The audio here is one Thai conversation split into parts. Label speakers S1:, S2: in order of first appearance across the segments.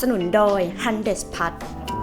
S1: สนุนโดย Hundes Pad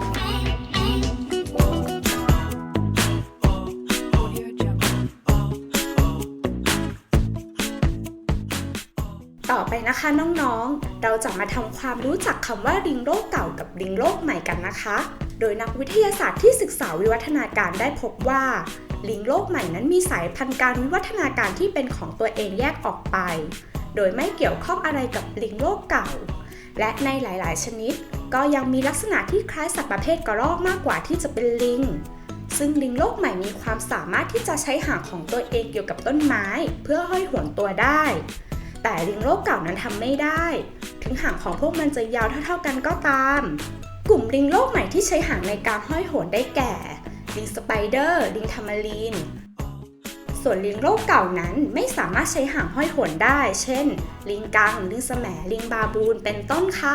S1: ต่อไปนะคะน้องๆเราจะมาทำความรู้จักคำว่าลิงโลกเก่ากับลิงโลกใหม่กันนะคะโดยนักวิทยาศาสตร์ที่ศึกษาวิวัฒนาการได้พบว่าลิงโลกใหม่นั้นมีสายพันธุ์การวิวัฒนาการที่เป็นของตัวเองแยกออกไปโดยไม่เกี่ยวข้องอะไรกับลิงโลกเก่าและในหลายๆชนิดก็ยังมีลักษณะที่คล้ายสัตว์ประเภทกระรอกมากกว่าที่จะเป็นลิงซึ่งลิงโลกใหม่มีความสามารถที่จะใช้หางของตัวเองเกี่ยวกับต้นไม้เพื่อห้อยโหนตัวได้แต่ลิงโลกเก่านั้นทำไม่ได้ถึงหางของพวกมันจะยาวเท่าๆกันก็ตามกลุ่มลิงโลกใหม่ที่ใช้หางในการห้อยโหนได้แก่ลิงสไปเดอร์ลิงทามารีนส่วนลิงโลกเก่านั้นไม่สามารถใช้หางห้อยโหนได้เช่นลิงกังลิงแสมลิงบาบูนเป็นต้นค่ะ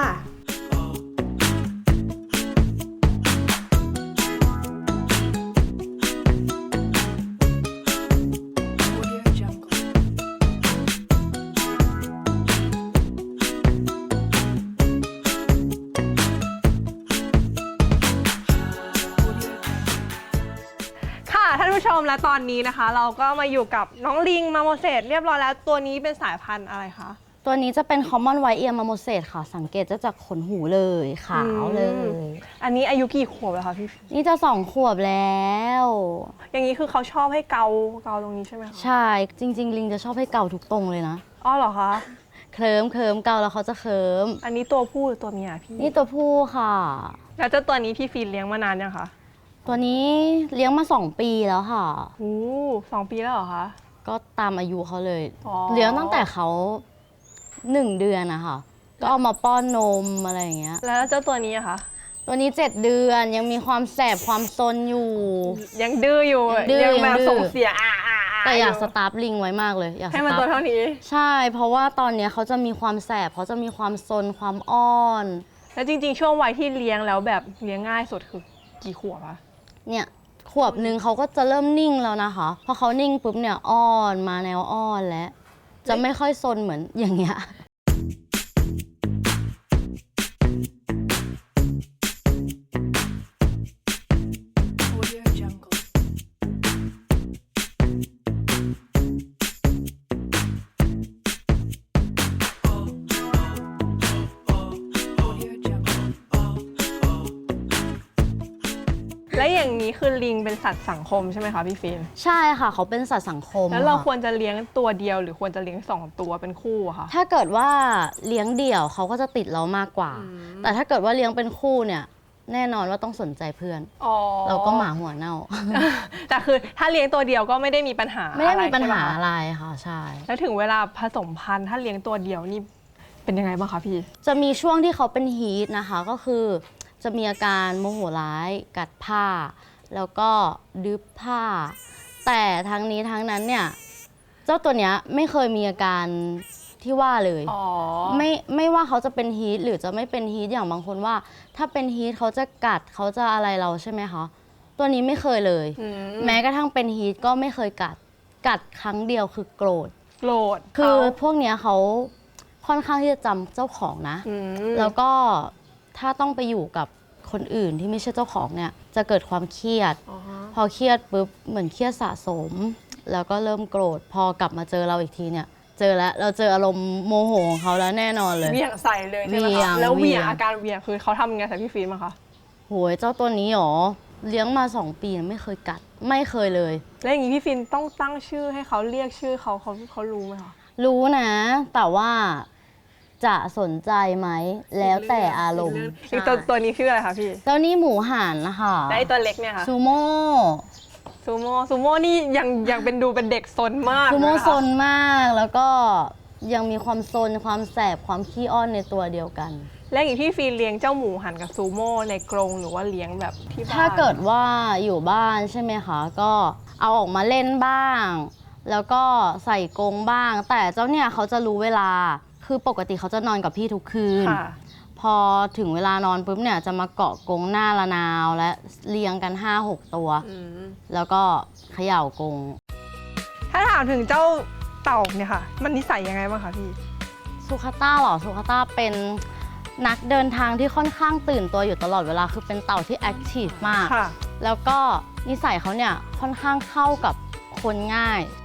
S2: ท่านผู้ชมและตอนนี้นะคะเราก็มาอยู่กับน้องลิงมาโมเสสเรียบร้อยแล้วตัวนี้เป็นสายพันธุ์อะไรคะ
S3: ตัวนี้จะเป็น Common White Ear Marmoset ค่ะสังเกตจะจากขนหูเลยขาวเลย
S2: อันนี้อายุกี่ขวบแล้วคะพี่
S3: นี่จะ2 ขวบแล้ว
S2: อย่างนี้คือเขาชอบให้เกาตรงนี้ใช่ไหมคะ
S3: ใช่จริงๆลิงจะชอบให้เกาทุกตรงเลยนะ
S2: อ๋อเหรอคะ
S3: เคลิ้มเกาแล้วเขาจะเคลิ้ม
S2: อันนี้ตัวผู้หรือตัวเมียพี่
S3: นี่ตัวผู้ค่ะ
S2: แล้วเจ้าตัวนี้พี่ฟีนเลี้ยงมานานยังคะ
S3: ตัวนี้เลี้ยงมา2 ปีแล้วค่ะ
S2: โอ้2 ปีแล้วเหรอคะ
S3: ก็ตามอายุเขาเลยเลี้ยงตั้งแต่เขา1 เดือนนะคะก็เอามาป้อนนมอะไรอย่างเงี้ย
S2: แล้วเจ้าตัวนี้อะคะ
S3: ตัวนี้7 เดือนยังมีความแสบความซนอยู่
S2: ยังดื้ออยู่ยังแบบส่งเสีย
S3: แต่อยากสตาร์ฟลิงไว้มากเลยอยาก
S2: ให้มันตัวเท่านี้
S3: ใช่เพราะว่าตอนนี้เขาจะมีความแสบเขาจะมีความซนความอ้อน
S2: แล้วจริงๆช่วงวัยที่เลี้ยงแล้วแบบเลี้ยงง่ายสุดคือกี่ขวบคะ
S3: เนี่ยขวบหนึ่งเขาก็จะเริ่มนิ่งแล้วนะคะพอเขานิ่งปุ๊บเนี่ยอ้อนมาแนวอ้อนแล้วจะไม่ค่อยซนเหมือนอย่างเงี้ย
S2: และอย่างนี้คือลิงเป็นสัตว์สังคมใช่ไหมคะพี่ฟิล์ม
S3: ใช่ค่ะเขาเป็นสัตว์สังคม
S2: แล้วเราควรจะเลี้ยงตัวเดียวหรือควรจะเลี้ยง2 ตัวเป็นคู่อะคะ
S3: ถ้าเกิดว่าเลี้ยงเดี่ยวเขาก็จะติดเรามากกว่าแต่ถ้าเกิดว่าเลี้ยงเป็นคู่เนี่ยแน่นอนว่าต้องสนใจเพื่อนเราก็หมาหัวเน่า
S2: แต่คือถ้าเลี้ยงตัวเดียวก็ไม่ได้มีปัญหา
S3: ไม่ได้มีปัญหาอะไรค่ะใช่
S2: แล้วถึงเวลาผสมพันธุ์ถ้าเลี้ยงตัวเดียวนี่เป็นยังไงบ้างคะพี่
S3: จะมีช่วงที่เขาเป็นฮีทนะคะก็คือจะมีอาการโมโหร้ายกัดผ้าแล้วก็ดึบผ้าแต่ทั้งนี้ทั้งนั้นเนี่ยเจ้าตัวเนี้ยไม่เคยมีอาการที่ว่าเลยไม่ว่าเขาจะเป็นฮีทหรือจะไม่เป็นฮีทอย่างบางคนว่าถ้าเป็นฮีทเขาจะกัดเขาจะอะไรเราใช่ไหมคะตัวนี้ไม่เคยเลยแม้กระทั่งเป็นฮีทก็ไม่เคยกัดครั้งเดียวคือโกรธคือพวกเนี้ยเขาค่อนข้างที่จะจำเจ้าของนะแล้วก็ถ้าต้องไปอยู่กับคนอื่นที่ไม่ใช่เจ้าของเนี่ยจะเกิดความเครียดพอเครียดปุ๊บเหมือนเครียดสะสมแล้วก็เริ่มโกรธพอกลับมาเจอเราอีกทีเนี่ยเจอแล้วเราเจออารมณ์โมโหของเขาแล้วแน่นอนเลย
S2: เวี่ยงใส่เลยใช่ไหมคะแล้วเวี่ยงอาการเวี่ยงคือเขาทำยังไงใส่พี่ฟิล์มอะคะ
S3: โหยเจ้าตัวนี้หรอเลี้ยงมา2 ปีไม่เคยกัดไม่เคยเลย
S2: แล้วอย่างนี้พี่ฟิล์มต้องตั้งชื่อให้เขาเรียกชื่อเขารู้ไหมคะ
S3: รู้นะแต่ว่าจะสนใจไหมแล้วแต่อารมณ์
S2: ตัวนี้ชื่ออะไรคะพี่
S3: เจ้านี่หมูหันนะคะ
S2: และตัวเล็กเนี่ยค่ะ
S3: ซูโม่
S2: นี่ยังเป็นดูเป็นเด็กซนมาก
S3: ซูโม่ซนมากแล้วก็ยังมีความซนความแสบความขี้อ้อนในตัวเดียวกัน
S2: และอย่างที่ฟีนเลี้ยงเจ้าหมูหันกับซูโม่ในกรงหรือว่าเลี้ยงแบบที่บ้าน
S3: ถ้าเกิดว่าอยู่บ้านใช่ไหมคะก็เอาออกมาเล่นบ้างแล้วก็ใส่กรงบ้างแต่เจ้าเนี่ยเขาจะรู้เวลาคือปกติเขาจะนอนกับพี่ทุกคืนพอถึงเวลานอนปุ๊บเนี่ยจะมาเกาะกรงหน้าระนาวและเลี้ยงกัน 5-6 ตัวแล้วก็เขย่ากรง
S2: ถ้าถามถึงเจ้าเต่าเนี่ยค่ะมันนิสัยยังไงบ้างคะพี่
S3: สุขาต้าเหรอสุขาต้าเป็นนักเดินทางที่ค่อนข้างตื่นตัวอยู่ตลอดเวลาคือเป็นเต่าที่แอคทีฟมาก
S2: ค่ะ
S3: แล้วก็นิสัยเขาเนี่ยค่อนข้างเข้ากับคนง่าย